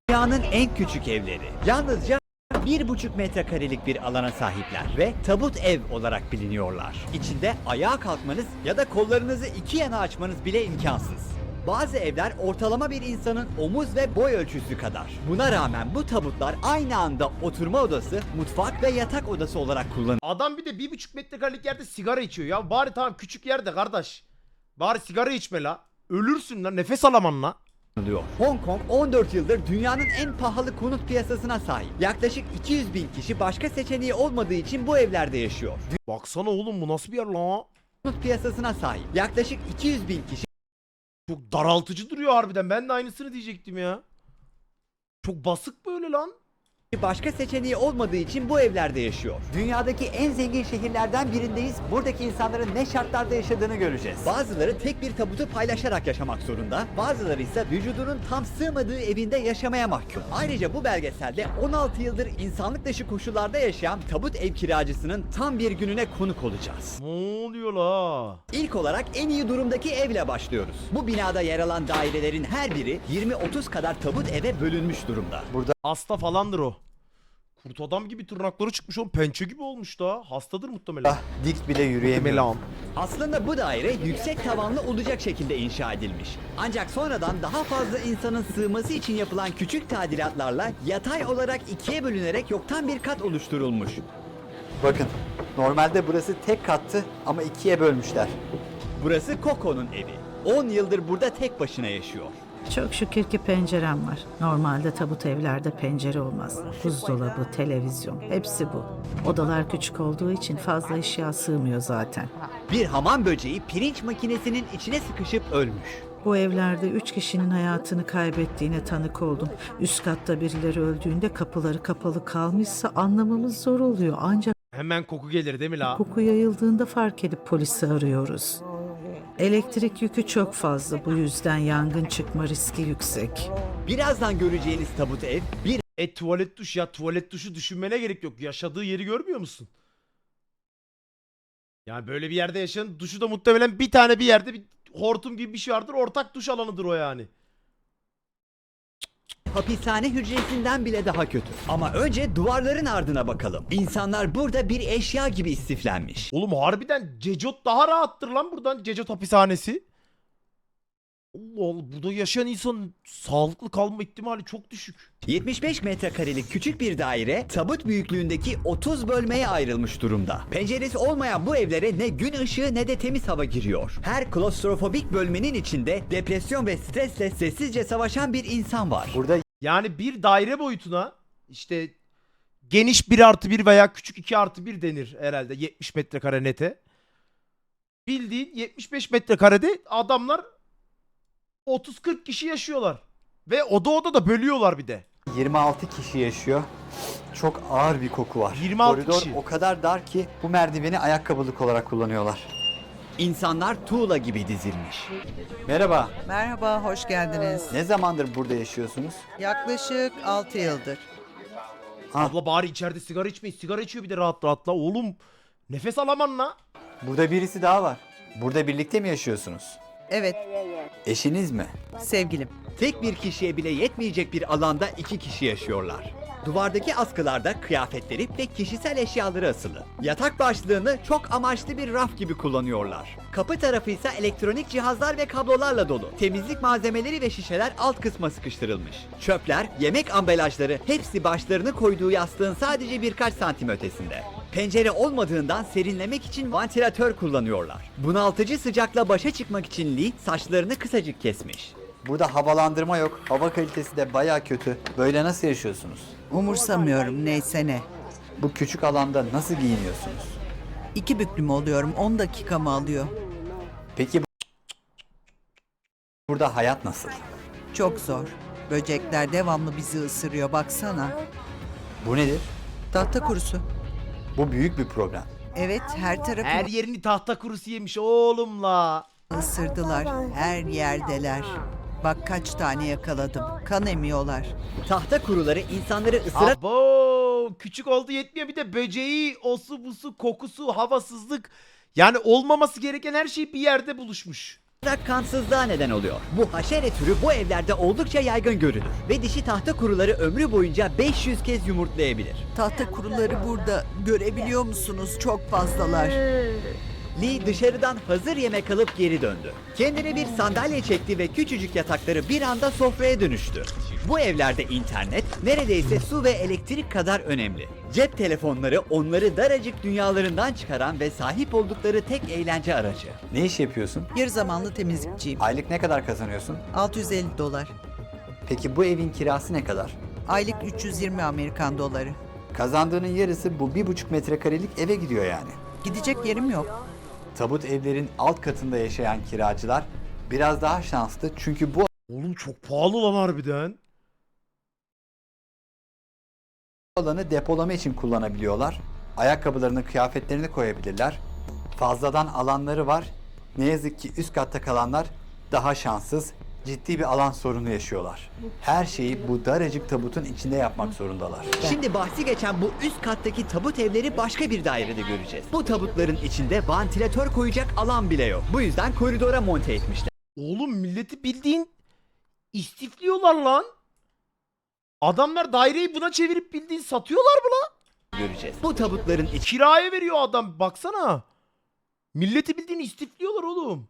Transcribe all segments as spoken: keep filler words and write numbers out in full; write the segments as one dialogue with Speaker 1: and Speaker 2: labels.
Speaker 1: Dünyanın en küçük evleri. Yalnızca bir buçuk metrekarelik bir alana sahipler ve tabut ev olarak biliniyorlar. İçinde ayağa kalkmanız ya da kollarınızı iki yana açmanız bile imkansız. Bazı evler ortalama bir insanın omuz ve boy ölçüsü kadar. Buna rağmen bu tabutlar aynı anda oturma odası, mutfak ve yatak odası olarak kullanılıyor.
Speaker 2: Adam bir de bir buçuk metrekarelik yerde sigara içiyor ya. Bari tamam küçük yerde kardeş. Bari sigara içme la. Ölürsün lan, nefes alaman la.
Speaker 1: Hong Kong on dört yıldır dünyanın en pahalı konut piyasasına sahip. Yaklaşık iki yüz bin kişi başka seçeneği olmadığı için bu evlerde yaşıyor.
Speaker 2: Baksana oğlum, bu nasıl bir yer la?
Speaker 1: Konut piyasasına sahip. Yaklaşık iki yüz bin kişi
Speaker 2: Çok daraltıcı duruyor harbiden. Ben de aynısını diyecektim ya. Çok basık böyle lan.
Speaker 1: başka seçeneği olmadığı için bu evlerde yaşıyor. Dünyadaki en zengin şehirlerden birindeyiz. Buradaki insanların ne şartlarda yaşadığını göreceğiz. Bazıları tek bir tabutu paylaşarak yaşamak zorunda. Bazıları ise vücudunun tam sığmadığı evinde yaşamaya mahkum. Ayrıca bu belgeselde on altı yıldır insanlık dışı koşullarda yaşayan tabut ev kiracısının tam bir gününe konuk olacağız.
Speaker 2: Ne oluyor la?
Speaker 1: İlk olarak en iyi durumdaki evle başlıyoruz. Bu binada yer alan dairelerin her biri yirmi otuz kadar tabut eve bölünmüş durumda. Burada
Speaker 2: Hasta falandır o. Kurt adam gibi tırnakları çıkmış oğlum. Pençe gibi olmuş da. Hastadır muhtemelen.
Speaker 1: dik bile yürüyemiyor.
Speaker 2: Muhtemelen.
Speaker 1: Aslında bu daire yüksek tavanlı olacak şekilde inşa edilmiş. Ancak sonradan daha fazla insanın sığması için yapılan küçük tadilatlarla yatay olarak ikiye bölünerek yoktan bir kat oluşturulmuş. Bakın, normalde burası tek kattı ama ikiye bölmüşler. Burası Coco'nun evi. on yıldır burada tek başına yaşıyor.
Speaker 3: Çok şükür ki pencerem var. Normalde tabut evlerde pencere olmaz. Buzdolabı, televizyon, hepsi bu. Odalar küçük olduğu için fazla eşya sığmıyor zaten.
Speaker 1: Bir hamam böceği pirinç makinesinin içine sıkışıp ölmüş.
Speaker 3: Bu evlerde üç kişinin hayatını kaybettiğine tanık oldum. Üst katta birileri öldüğünde kapıları kapalı kalmışsa anlamamız zor oluyor. Ancak
Speaker 2: Hemen koku gelir değil mi la?
Speaker 3: koku yayıldığında fark edip polisi arıyoruz. Elektrik yükü çok fazla, bu yüzden yangın çıkma riski yüksek.
Speaker 1: Birazdan göreceğiniz tabut ev bir
Speaker 2: E tuvalet duş ya, tuvalet duşu düşünmene gerek yok. Yaşadığı yeri görmüyor musun? Yani böyle bir yerde yaşayan duşu da muhtemelen bir tane bir yerde bir hortum gibi bir şey vardır. Ortak duş alanıdır o yani.
Speaker 1: hapishane hücresinden bile daha kötü. Ama önce duvarların ardına bakalım. İnsanlar burada bir eşya gibi istiflenmiş.
Speaker 2: Oğlum harbiden Cecot daha rahattır lan buradan. Cecot hapishanesi. Allah Allah, burada yaşayan insanın sağlıklı kalma ihtimali çok düşük.
Speaker 1: yetmiş beş metrekarelik küçük bir daire tabut büyüklüğündeki otuz bölmeye ayrılmış durumda. Penceresi olmayan bu evlere ne gün ışığı ne de temiz hava giriyor. Her klostrofobik bölmenin içinde depresyon ve stresle sessizce savaşan bir insan var. Burada
Speaker 2: Yani bir daire boyutuna işte geniş bir artı bir veya küçük iki artı bir denir herhalde yetmiş metrekare nete. Bildiğin yetmiş beş metrekarede adamlar otuz kırk kişi yaşıyorlar. Ve oda oda da bölüyorlar bir de.
Speaker 1: yirmi altı kişi yaşıyor. Çok ağır bir koku var.
Speaker 2: yirmi altı
Speaker 1: Koridor
Speaker 2: kişi.
Speaker 1: o kadar dar ki bu merdiveni ayakkabılık olarak kullanıyorlar. İnsanlar tuğla gibi dizilmiş. Merhaba.
Speaker 4: Merhaba, hoş geldiniz.
Speaker 1: Ne zamandır burada yaşıyorsunuz?
Speaker 4: Yaklaşık altı yıldır.
Speaker 1: Ha.
Speaker 2: Abla bari içeride sigara içmeyin. Sigara içiyor bir de rahat rahat la. Oğlum nefes alaman la.
Speaker 1: Burada birisi daha var. Burada birlikte mi yaşıyorsunuz?
Speaker 4: Evet,
Speaker 1: Eşiniz mi?
Speaker 4: sevgilim.
Speaker 1: Tek bir kişiye bile yetmeyecek bir alanda iki kişi yaşıyorlar. Duvardaki askılarda kıyafetleri ve kişisel eşyaları asılı. Yatak başlığını çok amaçlı bir raf gibi kullanıyorlar. Kapı tarafı ise elektronik cihazlar ve kablolarla dolu. Temizlik malzemeleri ve şişeler alt kısma sıkıştırılmış. Çöpler, yemek ambalajları hepsi başlarını koyduğu yastığın sadece birkaç santim ötesinde. Pencere olmadığından serinlemek için vantilatör kullanıyorlar. Bunaltıcı sıcakla başa çıkmak için Lee saçlarını kısacık kesmiş. Burada havalandırma yok. Hava kalitesi de baya kötü. Böyle nasıl yaşıyorsunuz?
Speaker 4: Umursamıyorum, neyse ne.
Speaker 1: Bu küçük alanda nasıl giyiniyorsunuz?
Speaker 4: İki büklüm oluyorum, on dakika mı alıyor?
Speaker 1: Peki bu- burada hayat nasıl?
Speaker 4: Çok zor. Böcekler devamlı bizi ısırıyor, baksana.
Speaker 1: Bu nedir?
Speaker 4: Tahta kurusu.
Speaker 1: Bu büyük bir problem.
Speaker 4: Evet, her tarafı
Speaker 2: Her yerini tahta kurusu yemiş oğlum la.
Speaker 4: ısırdılar. Her yerdeler. Bak kaç tane yakaladım. Kan emiyorlar.
Speaker 1: Tahta kuruları insanları ısırarak
Speaker 2: Abo küçük oldu yetmiyor, bir de böceği, osu busu, kokusu, havasızlık. Yani olmaması gereken her şey bir yerde buluşmuş.
Speaker 1: kansızlığa neden oluyor. Bu haşere türü bu evlerde oldukça yaygın görülür ve dişi tahta kuruları ömrü boyunca beş yüz kez yumurtlayabilir.
Speaker 4: Tahta kuruları burada. Görebiliyor musunuz? Çok fazlalar.
Speaker 1: Lee dışarıdan hazır yemek alıp geri döndü. Kendine bir sandalye çekti ve küçücük yatakları bir anda sofraya dönüştü. Bu evlerde internet neredeyse su ve elektrik kadar önemli. Cep telefonları onları daracık dünyalarından çıkaran ve sahip oldukları tek eğlence aracı. Ne iş yapıyorsun?
Speaker 4: Yarı zamanlı temizlikçiyim.
Speaker 1: Aylık ne kadar kazanıyorsun?
Speaker 4: altı yüz elli dolar.
Speaker 1: Peki bu evin kirası ne kadar?
Speaker 4: Aylık üç yüz yirmi Amerikan doları.
Speaker 1: Kazandığının yarısı bu bir buçuk metrekarelik eve gidiyor yani.
Speaker 4: Gidecek yerim yok.
Speaker 1: Tabut evlerin alt katında yaşayan kiracılar biraz daha şanslı çünkü bu
Speaker 2: Oğlum çok pahalı lan harbiden.
Speaker 1: alanı depolama için kullanabiliyorlar. Ayakkabılarını, kıyafetlerini koyabilirler. Fazladan alanları var. Ne yazık ki üst katta kalanlar daha şanssız, ciddi bir alan sorunu yaşıyorlar. Her şeyi bu daracık tabutun içinde yapmak zorundalar. Şimdi bahsi geçen bu üst kattaki tabut evleri başka bir dairede göreceğiz. Bu tabutların içinde vantilatör koyacak alan bile yok. Bu yüzden koridora monte etmişler.
Speaker 2: Oğlum milleti bildiğin istifliyorlar lan. Adamlar daireyi buna çevirip bildiğin satıyorlar mı lan?
Speaker 1: Göreceğiz. Bu tabutların
Speaker 2: Kiraya veriyor adam baksana. Milleti bildiğin istifliyorlar oğlum.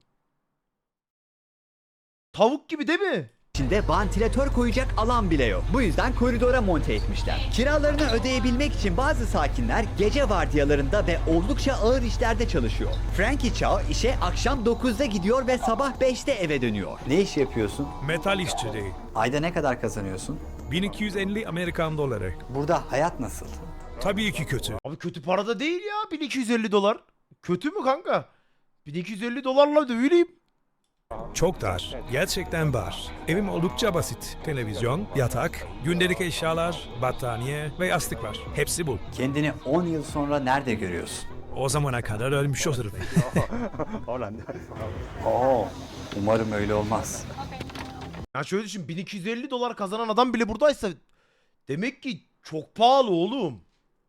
Speaker 2: Tavuk gibi değil mi?
Speaker 1: İçinde vantilatör koyacak alan bile yok. Bu yüzden koridora monte etmişler. Kiralarını ödeyebilmek için bazı sakinler gece vardiyalarında ve oldukça ağır işlerde çalışıyor. Frankie Chow işe akşam dokuzda gidiyor ve sabah beşte eve dönüyor. Ne iş yapıyorsun?
Speaker 5: Metal işçiliği.
Speaker 1: Ayda ne kadar kazanıyorsun?
Speaker 5: bin iki yüz elli Amerikan doları.
Speaker 1: Burada hayat nasıl?
Speaker 5: Tabii ki kötü.
Speaker 2: Abi kötü para da değil ya bin iki yüz elli dolar. Kötü mü kanka? bin iki yüz elli dolarla dövüleyim.
Speaker 5: Çok dar. Gerçekten dar. Evim oldukça basit. Televizyon, yatak, gündelik eşyalar, battaniye ve yastık var. Hepsi bu.
Speaker 1: Kendini on yıl sonra nerede görüyorsun?
Speaker 5: O zamana kadar ölmüş olurum.
Speaker 1: Oo, umarım öyle olmaz.
Speaker 2: Ya şöyle düşün bin iki yüz elli dolar kazanan adam bile buradaysa demek ki çok pahalı oğlum.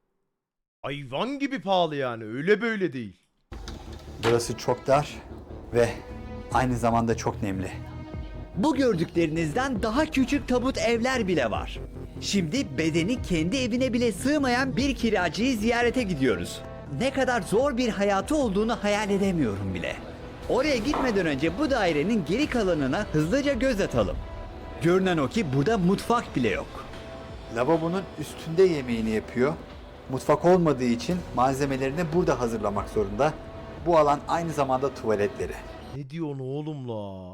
Speaker 2: Hayvan gibi pahalı yani öyle böyle değil.
Speaker 1: Burası çok dar ve aynı zamanda çok nemli. Bu gördüklerinizden daha küçük tabut evler bile var. Şimdi bedeni kendi evine bile sığmayan bir kiracıyı ziyarete gidiyoruz. Ne kadar zor bir hayatı olduğunu hayal edemiyorum bile. Oraya gitmeden önce bu dairenin geri kalanına hızlıca göz atalım. Görünen o ki burada mutfak bile yok. Lavabonun üstünde yemeğini yapıyor. Mutfak olmadığı için malzemelerini burada hazırlamak zorunda. Bu alan aynı zamanda tuvaletleri.
Speaker 2: Ne diyorsun oğlum la?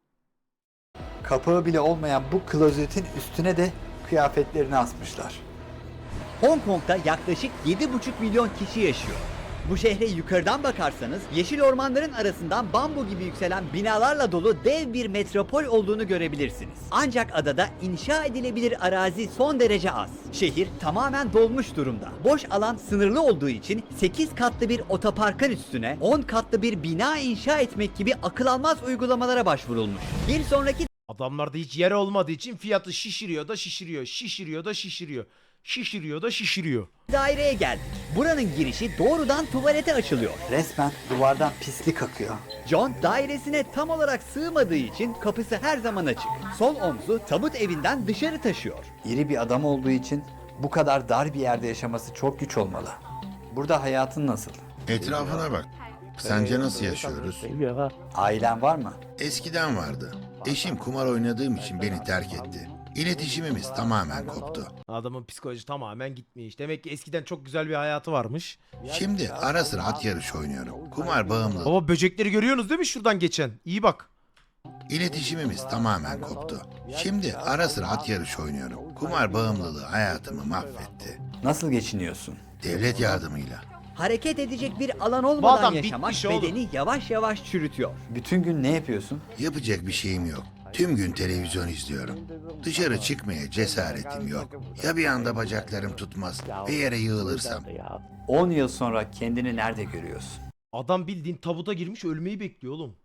Speaker 1: Kapağı bile olmayan bu klozetin üstüne de kıyafetlerini asmışlar. Hong Kong'da yaklaşık yedi buçuk milyon kişi yaşıyor. Bu şehre yukarıdan bakarsanız yeşil ormanların arasından bambu gibi yükselen binalarla dolu dev bir metropol olduğunu görebilirsiniz. Ancak adada inşa edilebilir arazi son derece az. Şehir tamamen dolmuş durumda. Boş alan sınırlı olduğu için sekiz katlı bir otoparkın üstüne on katlı bir bina inşa etmek gibi akıl almaz uygulamalara başvurulmuş. Bir sonraki
Speaker 2: Adamlarda hiç yer olmadığı için fiyatı şişiriyor da şişiriyor, şişiriyor da şişiriyor, şişiriyor da şişiriyor.
Speaker 1: daireye geldik. Buranın girişi doğrudan tuvalete açılıyor. Resmen duvardan pislik akıyor. John dairesine tam olarak sığmadığı için kapısı her zaman açık. Sol omzu tabut evinden dışarı taşıyor. İri bir adam olduğu için bu kadar dar bir yerde yaşaması çok güç olmalı. Burada hayatın nasıl?
Speaker 6: Etrafına bak. Sence nasıl yaşıyoruz?
Speaker 1: Ailen var mı?
Speaker 6: Eskiden vardı. Eşim kumar oynadığım için beni terk etti. İletişimimiz tamamen koptu.
Speaker 2: Adamın psikoloji tamamen gitmiş. Demek ki eskiden çok güzel bir hayatı varmış.
Speaker 6: Şimdi ara sıra at yarışı oynuyorum. Kumar bağımlı.
Speaker 2: Baba böcekleri görüyorsunuz değil mi şuradan geçen? İyi bak.
Speaker 6: İletişimimiz tamamen koptu. Şimdi ara sıra at yarışı oynuyorum. Kumar bağımlılığı hayatımı mahvetti.
Speaker 1: Nasıl geçiniyorsun?
Speaker 6: Devlet yardımıyla.
Speaker 1: Hareket edecek bir alan
Speaker 2: Bu
Speaker 1: olmadan
Speaker 2: adam
Speaker 1: yaşamak
Speaker 2: bitmiş oğlum.
Speaker 1: bedeni yavaş yavaş çürütüyor. Bütün gün ne yapıyorsun?
Speaker 6: Yapacak bir şeyim yok. Tüm gün televizyon izliyorum. Dışarı çıkmaya cesaretim yok. Ya bir anda bacaklarım tutmaz ve yere yığılırsam?
Speaker 1: on yıl sonra kendini nerede görüyorsun?
Speaker 2: Adam bildiğin tabuta girmiş ölmeyi bekliyor oğlum.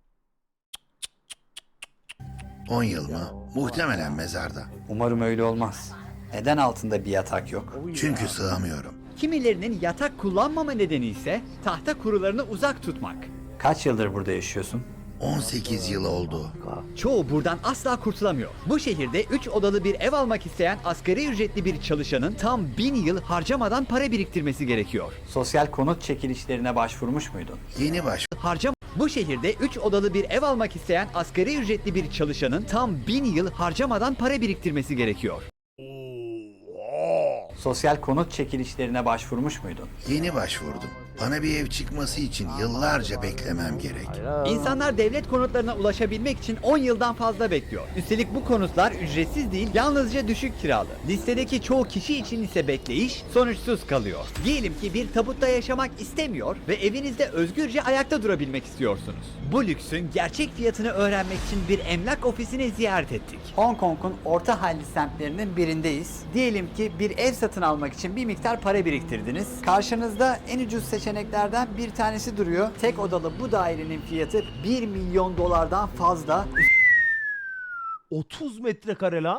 Speaker 6: on yıl mı? Muhtemelen mezarda.
Speaker 1: Umarım öyle olmaz. Neden altında bir yatak yok?
Speaker 6: Çünkü sığamıyorum.
Speaker 1: Kimilerinin yatak kullanmama nedeni ise tahta kurularını uzak tutmak. Kaç yıldır burada yaşıyorsun?
Speaker 6: on sekiz yıl oldu.
Speaker 1: Çoğu buradan asla kurtulamıyor. Bu şehirde üç odalı bir ev almak isteyen asgari ücretli bir çalışanın tam bin yıl harcamadan para biriktirmesi gerekiyor.
Speaker 7: Sosyal konut çekilişlerine başvurmuş muydun?
Speaker 6: Yeni baş.
Speaker 1: Harcam Bu şehirde üç odalı bir ev almak isteyen asgari ücretli bir çalışanın tam bin yıl harcamadan para biriktirmesi gerekiyor.
Speaker 7: Sosyal konut çekilişlerine başvurmuş muydun?
Speaker 6: Yeni başvurdum. Bana bir ev çıkması için yıllarca beklemem gerek.
Speaker 1: İnsanlar devlet konutlarına ulaşabilmek için on yıldan fazla bekliyor. Üstelik bu konutlar ücretsiz değil, yalnızca düşük kiralı. Listedeki çoğu kişi için ise bekleyiş sonuçsuz kalıyor. Diyelim ki bir tabutta yaşamak istemiyor ve evinizde özgürce ayakta durabilmek istiyorsunuz. Bu lüksün gerçek fiyatını öğrenmek için bir emlak ofisini ziyaret ettik.
Speaker 7: Hong Kong'un orta halli semtlerinin birindeyiz. Diyelim ki bir ev satın almak için bir miktar para biriktirdiniz. Karşınızda en ucuz seçeneklerden bir tanesi duruyor. Tek odalı bu dairenin fiyatı bir milyon dolardan fazla.
Speaker 2: otuz metrekare la.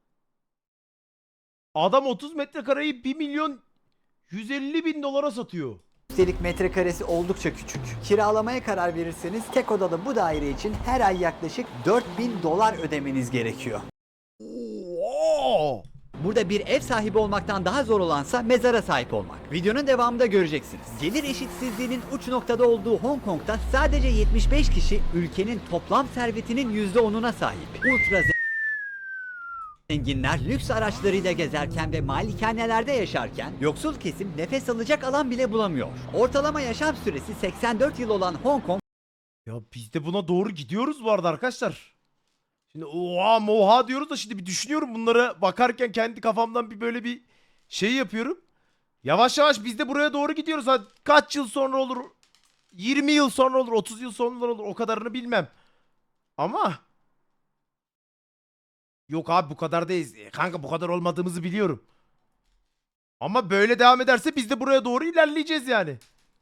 Speaker 2: Adam otuz metrekareyi bir milyon yüz elli bin dolara satıyor.
Speaker 7: Üstelik metrekaresi oldukça küçük. Kiralamaya karar verirseniz tek odalı bu daire için her ay yaklaşık dört bin dolar ödemeniz gerekiyor.
Speaker 2: Oo!
Speaker 1: Burada bir ev sahibi olmaktan daha zor olansa mezara sahip olmak. Videonun devamında göreceksiniz. Gelir eşitsizliğinin uç noktada olduğu Hong Kong'da sadece yetmiş beş kişi ülkenin toplam servetinin yüzde onuna sahip. Ultra zenginler lüks araçlarıyla gezerken ve malikanelerde yaşarken yoksul kesim nefes alacak alan bile bulamıyor. Ortalama yaşam süresi seksen dört yıl olan Hong Kong
Speaker 2: Ya biz de buna doğru gidiyoruz bu arada arkadaşlar. Şimdi oha moha diyoruz da şimdi bir düşünüyorum bunlara bakarken kendi kafamdan bir böyle bir şey yapıyorum. Yavaş yavaş biz de buraya doğru gidiyoruz. Ha, kaç yıl sonra olur? yirmi yıl sonra olur, otuz yıl sonra olur. O kadarını bilmem. Ama yok abi bu kadar değiliz. E, Kanka bu kadar olmadığımızı biliyorum. Ama böyle devam ederse biz de buraya doğru ilerleyeceğiz yani.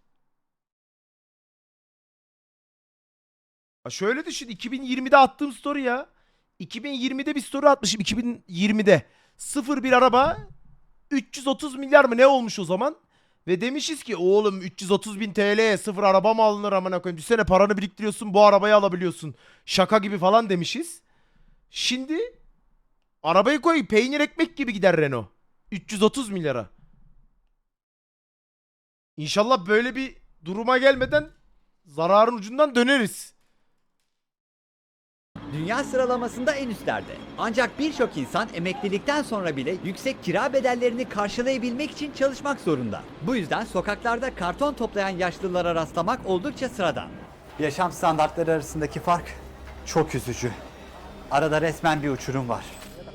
Speaker 2: Ha şöyle düşün, iki bin yirmide attığım story ya. iki bin yirmide bir story atmışım, iki bin yirmide. Sıfır bir araba üç yüz otuz milyar mı ne olmuş o zaman? Ve demişiz ki oğlum üç yüz otuz bin T L'ye sıfır araba mı alınır amına koyayım? Düşsene paranı biriktiriyorsun bu arabayı alabiliyorsun. Şaka gibi falan demişiz. Şimdi arabayı koy peynir ekmek gibi gider Renault. üç yüz otuz milyara. İnşallah böyle bir duruma gelmeden zararın ucundan döneriz.
Speaker 1: dünya sıralamasında en üstlerde. Ancak birçok insan emeklilikten sonra bile yüksek kira bedellerini karşılayabilmek için çalışmak zorunda. Bu yüzden sokaklarda karton toplayan yaşlılara rastlamak oldukça sıradan.
Speaker 7: Yaşam standartları arasındaki fark çok üzücü. Arada resmen bir uçurum var.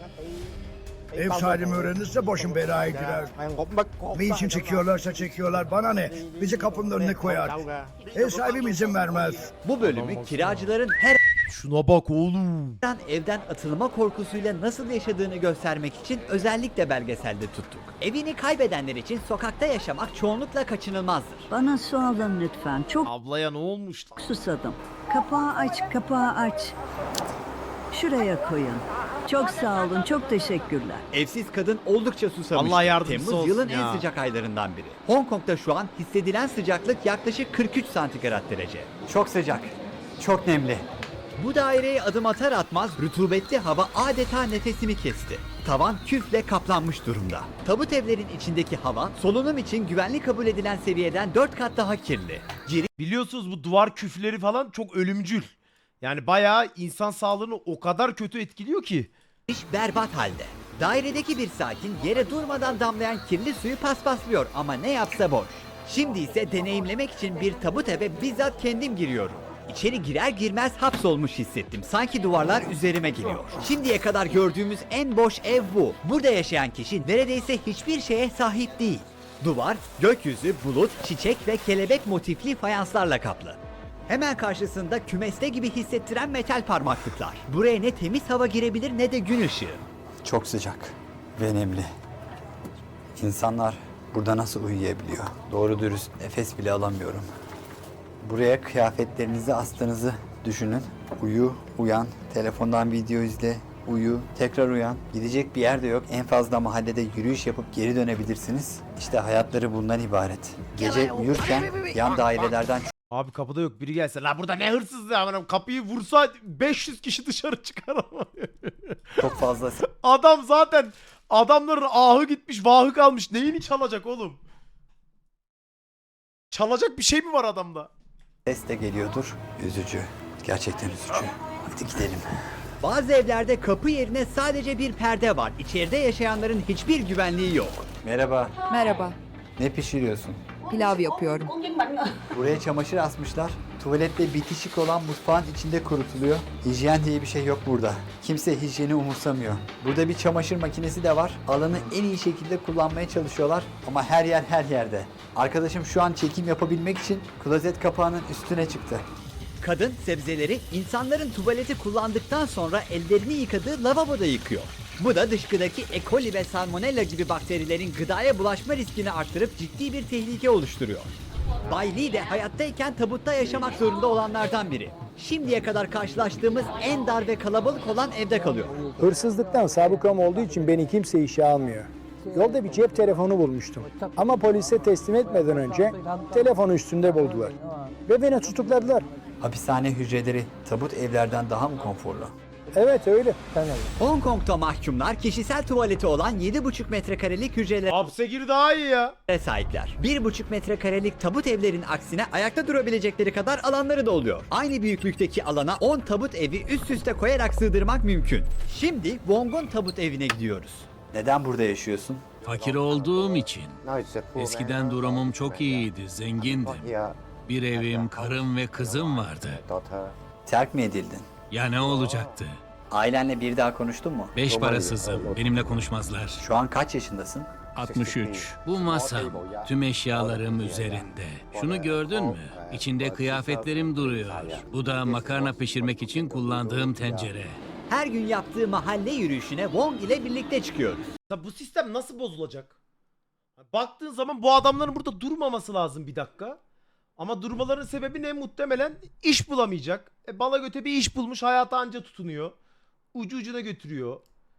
Speaker 8: Ev sahibim öğrenirse başım belaya girer. Ne için çekiyorlarsa çekiyorlar bana ne? Bizi kapının önüne koyar. Ev sahibim izin vermez.
Speaker 1: Bu bölümü kiracıların her
Speaker 2: Şuna bak oğlum.
Speaker 1: an evden atılma korkusuyla nasıl yaşadığını göstermek için özellikle belgeselde tuttuk. Evini kaybedenler için sokakta yaşamak çoğunlukla kaçınılmazdır.
Speaker 9: Bana su alın lütfen. Çok
Speaker 2: Ablaya ne olmuş?
Speaker 9: susadım. Kapağı aç, kapağı aç. Şuraya koyun. Çok sağ olun, çok teşekkürler.
Speaker 1: Evsiz kadın oldukça susamıştı.
Speaker 2: Allah yardımcısı
Speaker 1: Temmuz
Speaker 2: olsun
Speaker 1: yılın
Speaker 2: ya.
Speaker 1: en sıcak aylarından biri. Hong Kong'da şu an hissedilen sıcaklık yaklaşık kırk üç santigrat derece.
Speaker 7: Çok sıcak, çok nemli.
Speaker 1: Bu daireye adım atar atmaz rutubetli hava adeta nefesimi kesti. Tavan küfle kaplanmış durumda. Tabut evlerin içindeki hava solunum için güvenli kabul edilen seviyeden dört kat daha kirli.
Speaker 2: Biliyorsunuz bu duvar küfleri falan çok ölümcül. Yani bayağı insan sağlığını o kadar kötü etkiliyor ki.
Speaker 1: Giriş berbat halde. Dairedeki bir sakin yere durmadan damlayan kirli suyu paspaslıyor ama ne yapsa boş. Şimdi ise deneyimlemek için bir tabut eve bizzat kendim giriyorum. İçeri girer girmez hapsolmuş hissettim. Sanki duvarlar üzerime geliyor. Şimdiye kadar gördüğümüz en boş ev bu. Burada yaşayan kişi neredeyse hiçbir şeye sahip değil. Duvar, gökyüzü, bulut, çiçek ve kelebek motifli fayanslarla kaplı. Hemen karşısında kümeste gibi hissettiren metal parmaklıklar. Buraya ne temiz hava girebilir ne de gün ışığı.
Speaker 7: Çok sıcak ve nemli. İnsanlar burada nasıl uyuyabiliyor? Doğru dürüst nefes bile alamıyorum. Buraya kıyafetlerinizi astığınızı düşünün. Uyu, uyan, telefondan video izle, uyu, tekrar uyan. Gidecek bir yer de yok. En fazla mahallede yürüyüş yapıp geri dönebilirsiniz. İşte hayatları bundan ibaret. Gece uyurken yan dairelerden
Speaker 2: Abi kapıda yok, biri gelse. La burada ne hırsızlığı amına, kapıyı vursa beş yüz kişi dışarı çıkar ama.
Speaker 7: Çok fazla
Speaker 2: Adam zaten, adamların ahı gitmiş, vahı kalmış. Neyini çalacak oğlum? Çalacak bir şey mi var adamda?
Speaker 7: ses de geliyordur. Üzücü. Gerçekten üzücü. Hadi gidelim.
Speaker 1: Bazı evlerde kapı yerine sadece bir perde var. İçeride yaşayanların hiçbir güvenliği yok.
Speaker 7: Merhaba.
Speaker 10: Merhaba,
Speaker 7: Ne pişiriyorsun?
Speaker 10: pilav yapıyorum.
Speaker 7: Buraya çamaşır asmışlar. Tuvalette bitişik olan mutfağın içinde kurutuluyor. Hijyen diye bir şey yok burada. Kimse hijyeni umursamıyor. Burada bir çamaşır makinesi de var. Alanı en iyi şekilde kullanmaya çalışıyorlar ama her yer her yerde. Arkadaşım şu an çekim yapabilmek için klozet kapağının üstüne çıktı.
Speaker 1: Kadın sebzeleri insanların tuvaleti kullandıktan sonra ellerini yıkadığı lavaboda yıkıyor. Bu da dışkıdaki E. coli ve salmonella gibi bakterilerin gıdaya bulaşma riskini arttırıp ciddi bir tehlike oluşturuyor. Bay Lee de hayattayken tabutta yaşamak zorunda olanlardan biri. Şimdiye kadar karşılaştığımız en dar ve kalabalık olan evde kalıyor.
Speaker 11: Hırsızlıktan sabıkam olduğu için beni kimse işe almıyor. Yolda bir cep telefonu bulmuştum. Ama polise teslim etmeden önce telefonu üstünde buldular. Ve beni tutukladılar.
Speaker 7: Hapishane hücreleri tabut evlerden daha mı konforlu?
Speaker 11: Evet öyle.
Speaker 1: Hong Kong'da mahkumlar kişisel tuvaleti olan yedi buçuk metrekarelik hücrelere
Speaker 2: Hapse gir daha iyi ya.
Speaker 1: sahipler. bir buçuk metrekarelik tabut evlerin aksine ayakta durabilecekleri kadar alanları da oluyor. Aynı büyüklükteki alana on tabut evi üst üste koyarak sığdırmak mümkün. Şimdi Wong'un tabut evine gidiyoruz.
Speaker 7: Neden burada yaşıyorsun?
Speaker 12: Fakir olduğum için. Eskiden durumum çok iyiydi, zengindim. Bir evim, karım ve kızım vardı.
Speaker 7: Terk mi edildin?
Speaker 12: Ya ne olacaktı?
Speaker 7: Ailenle bir daha konuştun mu?
Speaker 12: Beş parasızım, benimle konuşmazlar.
Speaker 7: Şu an kaç yaşındasın?
Speaker 12: altmış üç. Bu masam, tüm eşyalarım üzerinde. Şunu gördün mü? İçinde kıyafetlerim duruyor. Bu da makarna pişirmek için kullandığım tencere.
Speaker 1: Her gün yaptığı mahalle yürüyüşüne Wong ile birlikte çıkıyoruz.
Speaker 2: Ya bu sistem nasıl bozulacak? Baktığın zaman bu adamların burada durmaması lazım bir dakika. Ama durmaların sebebi ne? Muhtemelen iş bulamayacak. E, bala göte bir iş bulmuş, hayata anca tutunuyor. Ucu ucuna götürüyor.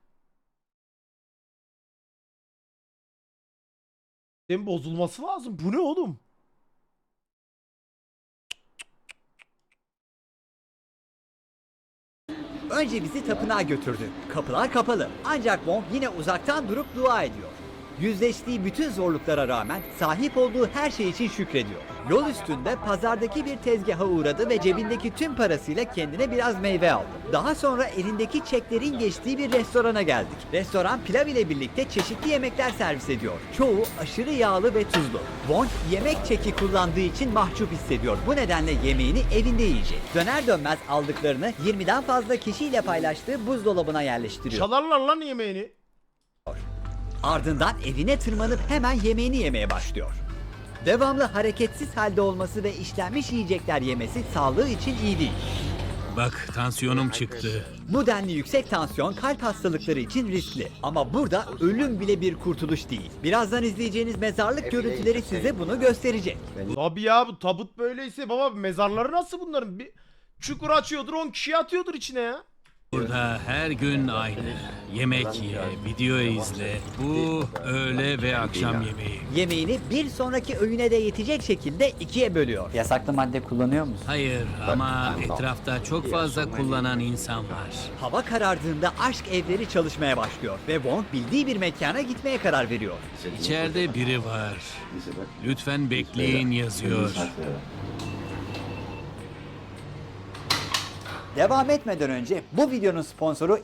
Speaker 2: Sistemin bozulması lazım. Bu ne oğlum?
Speaker 1: Önce bizi tapınağa götürdü. Kapılar kapalı. Ancak Wong yine uzaktan durup dua ediyor. Yüzleştiği bütün zorluklara rağmen sahip olduğu her şey için şükrediyor. Yol üstünde pazardaki bir tezgaha uğradı ve cebindeki tüm parasıyla kendine biraz meyve aldı. Daha sonra elindeki çeklerin geçtiği bir restorana geldik. Restoran pilav ile birlikte çeşitli yemekler servis ediyor. Çoğu aşırı yağlı ve tuzlu. Wong yemek çeki kullandığı için mahcup hissediyor. Bu nedenle yemeğini evinde yiyecek. Döner dönmez aldıklarını yirmiden fazla kişiyle paylaştığı buzdolabına yerleştiriyor.
Speaker 2: Çalarlar lan yemeğini.
Speaker 1: Ardından evine tırmanıp hemen yemeğini yemeye başlıyor. Devamlı hareketsiz halde olması ve işlenmiş yiyecekler yemesi sağlığı için iyi değil.
Speaker 12: Bak, tansiyonum çıktı.
Speaker 1: Bu denli yüksek tansiyon kalp hastalıkları için riskli. Ama burada ölüm bile bir kurtuluş değil. Birazdan izleyeceğiniz mezarlık görüntüleri size bunu gösterecek.
Speaker 2: Tabii ya, bu tabut böyleyse baba, mezarları nasıl bunların? Bir çukur açıyordur, on kişi atıyordur içine ya.
Speaker 12: Burada her gün aynı. Yemek ye, video izle. Bu öğle ve akşam yemeği.
Speaker 1: Yemeğini bir sonraki öğüne de yetecek şekilde ikiye bölüyor.
Speaker 7: Yasaklı madde kullanıyor musun?
Speaker 12: Hayır ama etrafta çok fazla kullanan insan var.
Speaker 1: Hava karardığında aşk evleri çalışmaya başlıyor ve Wong bildiği bir mekana gitmeye karar veriyor.
Speaker 12: İçeride biri var. Lütfen bekleyin yazıyor.
Speaker 1: Devam etmeden önce bu videonun sponsoru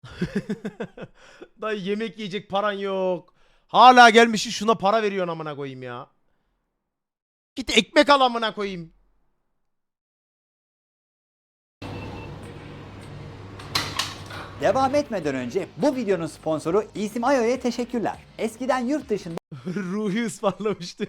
Speaker 2: Dayı yemek yiyecek paran yok. Hala gelmişsin şuna para veriyorsun amına koyayım ya. Git ekmek al amına koyayım.
Speaker 1: Devam etmeden önce bu videonun sponsoru İsim Ayo'ya teşekkürler. Eskiden yurt dışında
Speaker 2: Ruhi ısmarlamıştı.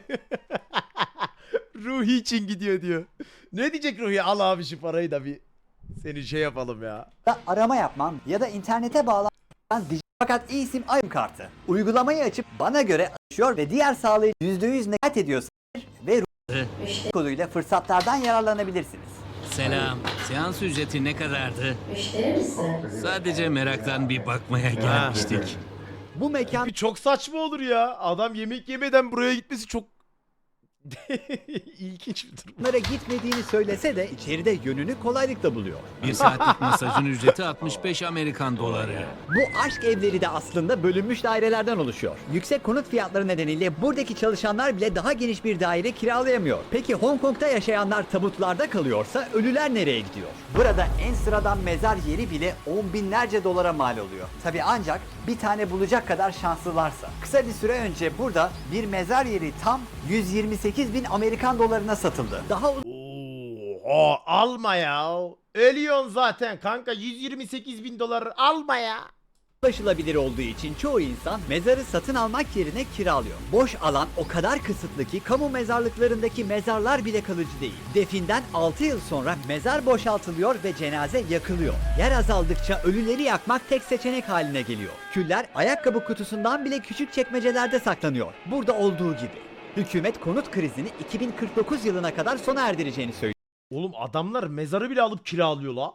Speaker 2: Ruhi için gidiyor diyor. Ne diyecek Ruhi? Al abi şu parayı da bir seni şey yapalım ya.
Speaker 1: arama yapman ya da internete bağlanan dijital fakat İsim Ayo kartı. Uygulamayı açıp bana göre açıyor ve diğer sağlayıcı yüzde yüz nekat ediyorsa ve Ruhi koduyla fırsatlardan yararlanabilirsiniz.
Speaker 12: Selam. Seans ücreti ne kadardı? Sadece meraktan bir bakmaya gelmiştik.
Speaker 1: Bu mekan
Speaker 2: Çok saçma olur ya. Adam yemek yemeden buraya gitmesi çok İlginç bir durum.
Speaker 1: Bunlara gitmediğini söylese de içeride yönünü kolaylıkla buluyor.
Speaker 12: Bir saatlik masajın ücreti altmış beş Amerikan doları.
Speaker 1: Bu aşk evleri de aslında bölünmüş dairelerden oluşuyor. Yüksek konut fiyatları nedeniyle buradaki çalışanlar bile daha geniş bir daire kiralayamıyor. Peki Hong Kong'da yaşayanlar tabutlarda kalıyorsa ölüler nereye gidiyor? Burada en sıradan mezar yeri bile on binlerce dolara mal oluyor. Tabi ancak bir tane bulacak kadar şanslılarsa. Kısa bir süre önce burada bir mezar yeri tam yüz yirmi sekiz bin Amerikan dolarına satıldı. Daha
Speaker 2: Oha alma ya. Ölüyorsun zaten kanka, yüz yirmi sekiz bin dolar alma ya.
Speaker 1: ulaşılabilir olduğu için çoğu insan mezarı satın almak yerine kiralıyor. Boş alan o kadar kısıtlı ki kamu mezarlıklarındaki mezarlar bile kalıcı değil. Definden altı yıl sonra mezar boşaltılıyor ve cenaze yakılıyor. Yer azaldıkça ölüleri yakmak tek seçenek haline geliyor. Küller ayakkabı kutusundan bile küçük çekmecelerde saklanıyor. Burada olduğu gibi. Hükümet konut krizini iki bin kırk dokuz yılına kadar sona erdireceğini söylüyor.
Speaker 2: Oğlum adamlar mezarı bile alıp kiralıyor la.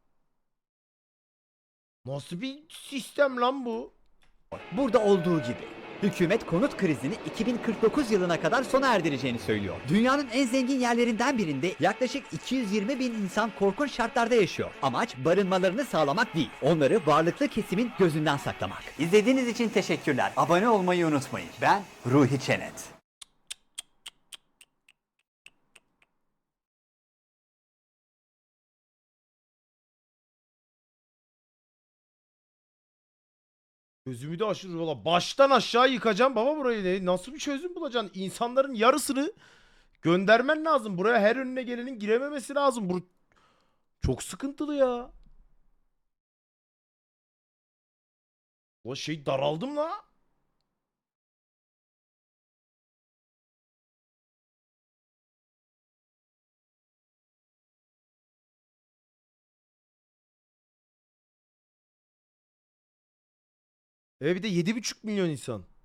Speaker 2: Nasıl bir sistem lan bu?
Speaker 1: Burada olduğu gibi. Hükümet konut krizini iki bin kırk dokuz yılına kadar sona erdireceğini söylüyor. Dünyanın en zengin yerlerinden birinde yaklaşık iki yüz yirmi bin insan korkunç şartlarda yaşıyor. Amaç barınmalarını sağlamak değil, onları varlıklı kesimin gözünden saklamak. İzlediğiniz için teşekkürler. Abone olmayı unutmayın. Ben Ruhi Çenet.
Speaker 2: Gözümü de aşırı valla. Baştan aşağı yıkacağım baba burayı. Ne- Nasıl bir çözüm bulacaksın? İnsanların yarısını göndermen lazım. Buraya her önüne gelenin girememesi lazım. Bu çok sıkıntılı ya. O şey daraldım la. E bir de yedi buçuk milyon insan.